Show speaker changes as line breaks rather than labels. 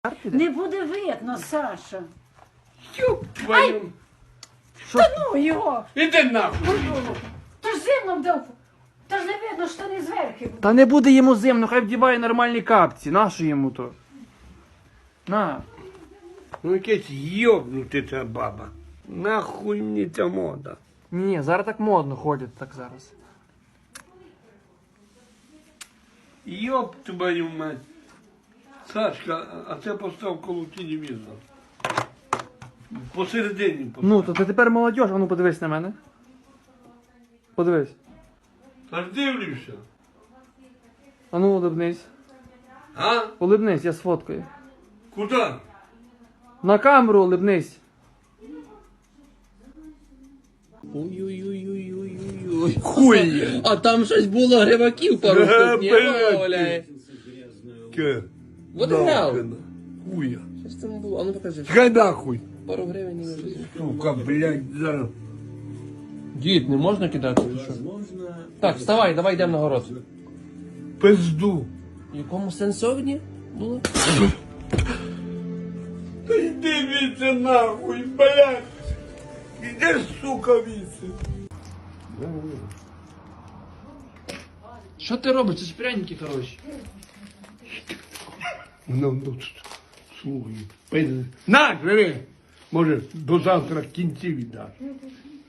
Не буде видно, Саша.
Ёб твою.
Та ну його!
Іди нахуй.
Та ж зимно вдав. Та ж не видно, що не зверху.
Та не буде йому зимно, хай вдіває нормальні капці. Нащо йому то? На.
Ну якесь йобнути ця баба. Нахуй мені ця мода.
Ні, зараз так модно ходять так зараз.
Йоб твою мать. Сашка, а це постав коло телевізора. Посередині постав.
Ну, то ти тепер молодь, а ну подивись на мене. Подивись.
Та ж дивлюся.
А ну улибнись.
А?
Улибнись, я сфоткаю.
Куди?
На камеру улибнись.
Ой-ой-ой-ой-ой-ой.
Хуй.
А там щось було гриваків пару штук, ні?
блядь.
Валяє.
Ке?
Вот і грав.
Хуя.
Що ж там було? А ну покажи.
Чекай нахуй.
Пару гривень і не візьму.
Сука, блядь, зараз.
Дід, не можна кидати? Чи що? Так, вставай, давай йдемо на город.
Пизду.
В якому сенсовні було?
Та йди віце нахуй, блядь. Іди, сука, віце.
Що ти робиш? Це ж пряники хороші.
Ну, слухай. На, жири. Може, до завтра кінці віддаш.